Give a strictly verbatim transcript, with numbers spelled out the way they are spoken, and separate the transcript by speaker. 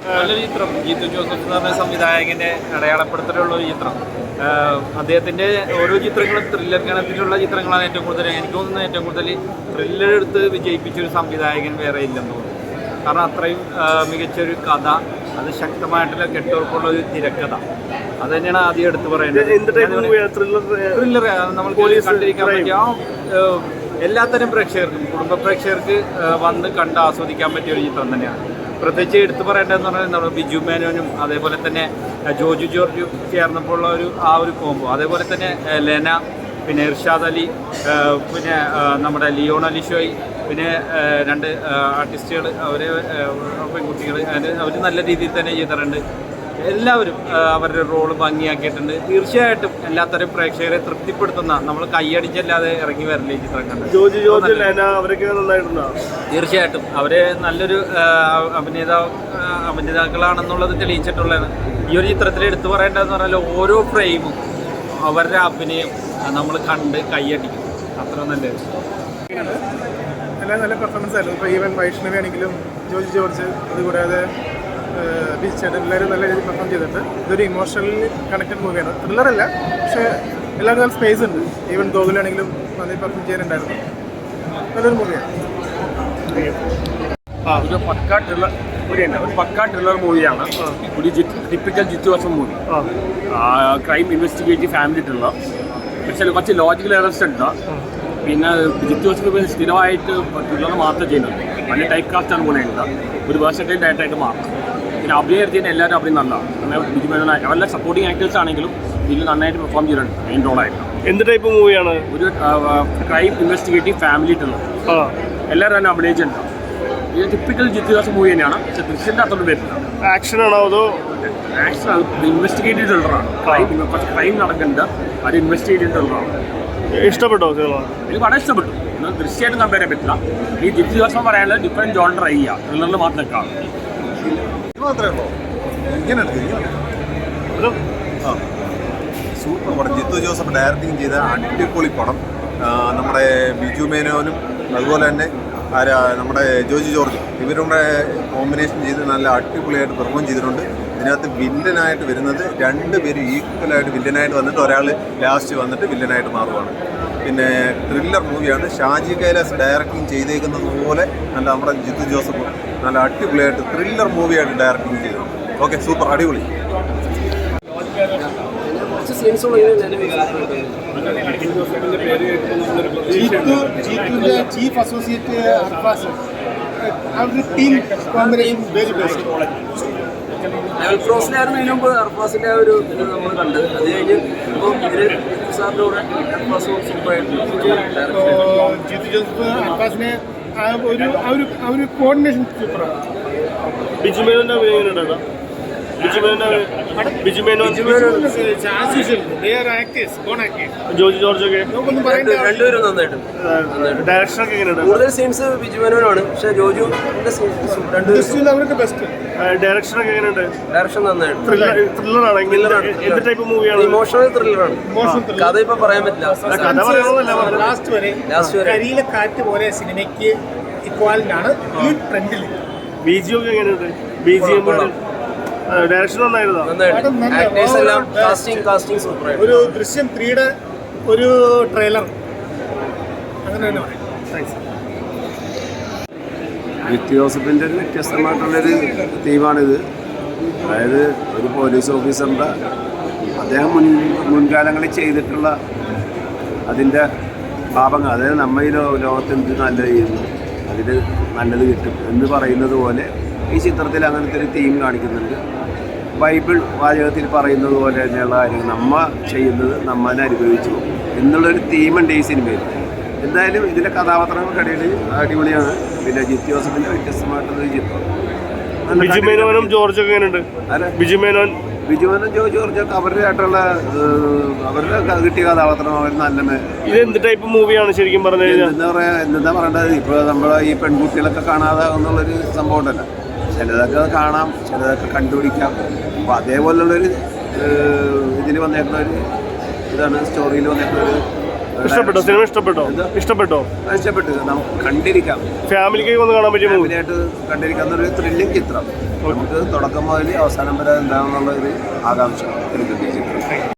Speaker 1: നല്ലൊരു ചിത്രം. ജിത്തു ജോസഫ് എന്ന് പറഞ്ഞ സംവിധായകൻ്റെ അടയാളപ്പെടുത്തലുള്ള ഒരു ചിത്രം. അദ്ദേഹത്തിൻ്റെ ഓരോ ചിത്രങ്ങളും ത്രില്ലർ ഗണത്തിലുള്ള ചിത്രങ്ങളാണ് ഏറ്റവും കൂടുതൽ. എനിക്ക് തോന്നുന്നത് ഏറ്റവും കൂടുതൽ ത്രില്ലർ എടുത്ത് വിജയിപ്പിച്ചൊരു സംവിധായകൻ വേറെ ഇല്ലെന്ന് തോന്നുന്നു. കാരണം അത്രയും മികച്ചൊരു കഥ, അത് ശക്തമായിട്ടുള്ള കെട്ടുറപ്പുള്ള ഒരു തിരക്കഥ, അത് തന്നെയാണ് ആദ്യം എടുത്ത് പറയേണ്ടത്. ത്രില്ലർ നമുക്ക് കണ്ടിരിക്കാൻ പറ്റിയ എല്ലാത്തരം പ്രേക്ഷകർക്കും, കുടുംബ പ്രേക്ഷകർക്ക് വന്ന് കണ്ട് ആസ്വദിക്കാൻ പറ്റിയ ഒരു ചിത്രം തന്നെയാണ്. പ്രത്യേകിച്ച് എടുത്തു പറയേണ്ടതെന്ന് പറഞ്ഞാൽ നമ്മുടെ ബിജു മേനോനും അതേപോലെ തന്നെ ജോജു ജോർജും ചേർന്നപ്പോൾ ഉള്ള ഒരു ആ ഒരു കോംബോ, അതേപോലെ തന്നെ ലെന, പിന്നെ ഇർഷാദ് അലി, പിന്നെ നമ്മുടെ ലിയോൺ അലിഷോയ്, പിന്നെ രണ്ട് ആർട്ടിസ്റ്റുകൾ, അവർ പെൺകുട്ടികൾ, അവർ നല്ല രീതിയിൽ തന്നെ ചെയ്തിട്ടുണ്ട്. എല്ലാവരും അവരുടെ റോള് ഭംഗിയാക്കിയിട്ടുണ്ട്. തീർച്ചയായിട്ടും എല്ലാത്തരം പ്രേക്ഷകരെ തൃപ്തിപ്പെടുത്തുന്ന, നമ്മൾ കൈയടിച്ചല്ലാതെ ഇറങ്ങി വരില്ലേ ചിത്രം കണ്ട്. തീർച്ചയായിട്ടും അവരെ നല്ലൊരു അഭിനേതാവ് അഭിനേതാക്കളാണെന്നുള്ളത് തെളിയിച്ചിട്ടുള്ളതാണ്. ഈ ഒരു ചിത്രത്തിൽ എടുത്തു പറയേണ്ടതെന്ന് പറഞ്ഞാൽ ഓരോ ഫ്രെയിമും അവരുടെ അഭിനയം നമ്മൾ കണ്ട് കൈയടിക്കും. അത്ര നല്ലത്.
Speaker 2: എല്ലാം നല്ല പെർഫോമൻസ് ആയിരുന്നു. ഇപ്പോൾ ഈവൻ വൈഷ്ണവി ആണെങ്കിലും ജോജി ജോർജ്, അതുകൂടാതെ ബീച്ചേട്ടൻ, എല്ലാവരും നല്ല രീതിയിൽ പെർഫോം ചെയ്തിട്ടുണ്ട്. ഇതൊരു ഇമോഷണലി കണക്റ്റഡ് മൂവിയാണ്. ത്രില്ലറല്ല, പക്ഷേ എല്ലാവർക്കും നല്ല സ്പേസ് ഉണ്ട്. ഈവൻ ഗോകുലാണെങ്കിലും നന്നായി പെർഫോം ചെയ്യാനുണ്ടായിരുന്നു. നല്ലൊരു മൂവിയാണ്.
Speaker 3: ഒരു പക്കാ ത്രില്ലർ മൂവിയാണ് ഒരു പക്കാ ത്രില്ലർ മൂവിയാണ് ഒരു typical Jeethu Joseph movie. Crime investigative family thriller. പക്ഷേ കുറച്ച് ലോജിക്കൽ എറർസ് ഉണ്ട്. പിന്നെ ജിത്തു ജോസഫ് സ്ഥിരമായിട്ട് ത്രില്ലർ മാത്രം ചെയ്യുന്നുണ്ട്. നല്ല ടൈപ്പ് കാസ്റ്റാണ് കൂടെ ഉണ്ട്. ഒരു വേഴ്സറ്റൈൽ ഡയറക്ടറായിട്ട് മാറും. പിന്നെ അഭിനയത്തിന് എല്ലാവരും അഭിനയം നല്ലതാണ്. ബിജു മേനോൻ അവരുടെ സപ്പോർട്ടിങ് ആക്ടേഴ്സ് ആണെങ്കിലും ഇതിൽ നന്നായിട്ട് പെർഫോം ചെയ്തിട്ടുണ്ട് മെയിൻ റോളായിട്ട്.
Speaker 4: എന്ത് ടൈപ്പ് മൂവിയാണ്?
Speaker 3: ഒരു ക്രൈം ഇൻവെസ്റ്റിഗേറ്റീവ് ഫാമിലി ത്രില്ലർ. എല്ലാവരും തന്നെ അഭിനയിച്ചിട്ടുണ്ട്. ഇത് ടിപ്പിക്കൽ ജിത്തു ജോസഫ് മൂവി തന്നെയാണ്. പക്ഷേ ദൃശ്യൻ്റെ അത്തോട് വരുന്നില്ല.
Speaker 4: ആക്ഷൻ ആണോ അതോ?
Speaker 3: ആക്ഷൻ ഇൻവെസ്റ്റിഗേറ്റീവ് ത്രില്ലറാണ്. ക്രൈം കുറച്ച് ക്രൈം നടക്കുന്നുണ്ട്, അത് ഇൻവെസ്റ്റിഗേറ്റീവ് ത്രില്ലറാണ്.
Speaker 4: ഇഷ്ടപ്പെട്ടോ?
Speaker 3: എനിക്ക് വളരെ ഇഷ്ടപ്പെട്ടു. എന്നാൽ ദൃശ്യമായിട്ട് കമ്പയർ ചെയ്യാൻ പറ്റില്ല. ഈ ജിത്തു ജോസഫ് പറയാനുള്ളത് ഡിഫറെൻറ്റ് ജോൺ ട്രൈ ചെയ്യുക, ത്രില്ലറിൽ മാത്രം കാണും.
Speaker 5: സൂപ്പർ പടം. ജിത്തു ജോസഫ് ഡയറക്റ്റിംഗ് ചെയ്ത അടിപൊളി പടം. നമ്മുടെ ബിജു മേനോനും അതുപോലെ തന്നെ ആരാ നമ്മുടെ ജോജി ജോർജ്, ഇവരുടെ കോമ്പിനേഷൻ ചെയ്ത് നല്ല അടിപൊളിയായിട്ട് പെർഫോം ചെയ്തിട്ടുണ്ട്. ഇതിനകത്ത് വില്ലനായിട്ട് വരുന്നത് രണ്ട് പേരും ഈക്വലായിട്ട് വില്ലനായിട്ട് വന്നിട്ട് ഒരാൾ ലാസ്റ്റ് വന്നിട്ട് വില്ലനായിട്ട് മാറുകയാണ്. പിന്നെ ത്രില്ലർ മൂവിയാണ്. ഷാജി കൈലാസ് ഡയറക്റ്റിംഗ് ചെയ്തേക്കുന്നത് പോലെ നല്ല നമ്മുടെ ജിത്തു ജോസഫ് നല്ല അടിപൊളിയായിട്ട് ത്രില്ലർ മൂവിയായിട്ട് ഡയറക്റ്റിംഗ് ചെയ്തു. ഓക്കെ, സൂപ്പർ, അടിപൊളി.
Speaker 2: ചീഫ് അസോസിയേറ്റ് അർഫാസ്, അവരുടെ ടീം കോമ്പിനേഷൻ വെരി ബെസ്റ്റ്.
Speaker 6: എൽഫ്രോസിനായിരുന്നു ഇതിനു മുമ്പ് അർഫാസിൻ്റെ ആ ഒരു ഇത് നമ്മൾ കണ്ടത്. അത് കഴിഞ്ഞ് ഇപ്പോൾ ഇവര് സാറിൻ്റെ കൂടെ അർഫാസും സൂപ്പറായിട്ടുണ്ട്.
Speaker 2: ജിത്തു ജോസഫ് അർഫാസിനെ ആ ഒരു ആ ഒരു ആ ഒരു കോർഡിനേഷൻ സൂപ്പറാണ്.
Speaker 4: ബിജു മേനോന്റെ അഭിനയം ബിജു മേനോൻ ബിജു മേനോൻ ജോജി ജോർജ് ഒക്കെ
Speaker 6: രണ്ടുപേരും നന്നായിട്ട്.
Speaker 4: ഡയറക്ഷൻ ഒക്കെ എങ്ങനെയുണ്ട്?
Speaker 6: കൂടുതൽ സീൻസ് ബിജു മേനോനാണ്, പക്ഷേ ജോജു
Speaker 2: അവർക്ക് ബെസ്റ്റ്.
Speaker 4: ഡയറക്ഷൻ ഒക്കെ എങ്ങനെയുണ്ട്?
Speaker 6: ഡയറക്ഷൻ നന്നായിട്ട്.
Speaker 4: ത്രില്ലറാണ്. എന്ത് ടൈപ്പ് മൂവിയാണ്?
Speaker 6: ഇമോഷണൽ ത്രില്ലറാണ്. കഥ ഇപ്പൊ പറയാൻ പറ്റില്ല.
Speaker 2: ലാസ്റ്റ് വരെ ലാസ്റ്റ് വരെ കരിയിലെ കാറ്റ് പോലെ സിനിമയ്ക്ക് ഇക്വാലിറ്റിയാണ് ഈ ട്രെൻഡിൽ.
Speaker 4: ബി ജി ഒക്കെ എങ്ങനെയുണ്ട്? ബി ജി എം ഡയറക്ഷൻ നന്നായിരുന്നു.
Speaker 2: ഒരു ദൃശ്യം ത്രീയുടെ ഒരു ട്രെയിലർ അങ്ങനെ തന്നെ പറയും.
Speaker 7: ജിത്തു ജോസഫിൻ്റെ ഒരു വ്യത്യസ്തമായിട്ടുള്ളൊരു തീമാണിത്. അതായത് ഒരു പോലീസ് ഓഫീസറിൻ്റെ അദ്ദേഹം മുൻ മുൻകാലങ്ങളിൽ ചെയ്തിട്ടുള്ള അതിൻ്റെ പാപങ്ങൾ, അതായത് നമ്മൾ ഈ ലോകത്ത് എന്ത് നല്ലത് ചെയ്യുന്നു അതിൽ നല്ലത് കിട്ടും എന്ന് പറയുന്നത് പോലെ ഈ ചിത്രത്തിൽ അങ്ങനത്തെ ഒരു തീം കാണിക്കുന്നുണ്ട്. ബൈബിൾ വാചകത്തിൽ പറയുന്നത് പോലെ തന്നെയുള്ള കാര്യങ്ങൾ നമ്മ ചെയ്യുന്നത് നമ്മനെ അനുഭവിച്ചു പോകും എന്നുള്ളൊരു തീമുണ്ട് ഈ സിനിമയിൽ. എന്തായാലും ഇതിൻ്റെ കഥാപാത്രങ്ങൾക്കിടയിൽ അടിപൊളിയാണ്. പിന്നെ ജിത്തു ജോസഫിൻ്റെ വ്യത്യസ്തമായിട്ടുള്ളൊരു ചിത്രം.
Speaker 4: ബിജു മേനോനും ജോർജൊക്കെ എങ്ങനെയുണ്ട്?
Speaker 7: അല്ല,
Speaker 4: ബിജു മേനോൻ
Speaker 7: ബിജു മേനോൻ ജോ ജോർജൊക്കെ അവരുടെ ആയിട്ടുള്ള അവരുടെ കിട്ടിയ കഥാപാത്രം അവർ നല്ല.
Speaker 4: ഇത് എന്ത് ടൈപ്പ് മൂവിയാണ് ശരിക്കും പറഞ്ഞു കഴിഞ്ഞാൽ?
Speaker 7: എന്താ പറയുക, എന്താ പറയേണ്ടത്, ഇപ്പോൾ നമ്മളെ ഈ പെൺകുട്ടികളൊക്കെ കാണാതാകുന്നുള്ളൊരു സംഭവം ഉണ്ടല്ലോ. ചിലതൊക്കെ കാണാം, ചിലതൊക്കെ കണ്ടുപിടിക്കാം. അപ്പോൾ അതേപോലുള്ളൊരു ഇതിൽ വന്നേക്കുന്ന ഒരു ഇതാണ് സ്റ്റോറിയിൽ വന്നേക്കുന്ന ഒരു
Speaker 4: ഇഷ്ടപ്പെട്ടോ സിനിമ ഇഷ്ടപ്പെട്ടോ ഇഷ്ടപ്പെട്ടോ
Speaker 7: അത് ഇഷ്ടപ്പെട്ടു. നമുക്ക് കണ്ടിരിക്കാം,
Speaker 4: ഫാമിലിക്ക് ഒന്ന് കാണാൻ പറ്റിയ മൂവി
Speaker 7: ഫാമിലിയായിട്ട് കണ്ടിരിക്കാവുന്ന ഒരു ത്രില്ലിംഗ് ചിത്രം. നമുക്ക് തുടക്കം മുതൽ അവസാനം വരെ എന്താണെന്നുള്ള ഒരു ആകാംക്ഷ എടുക്കുന്ന ചിത്രം.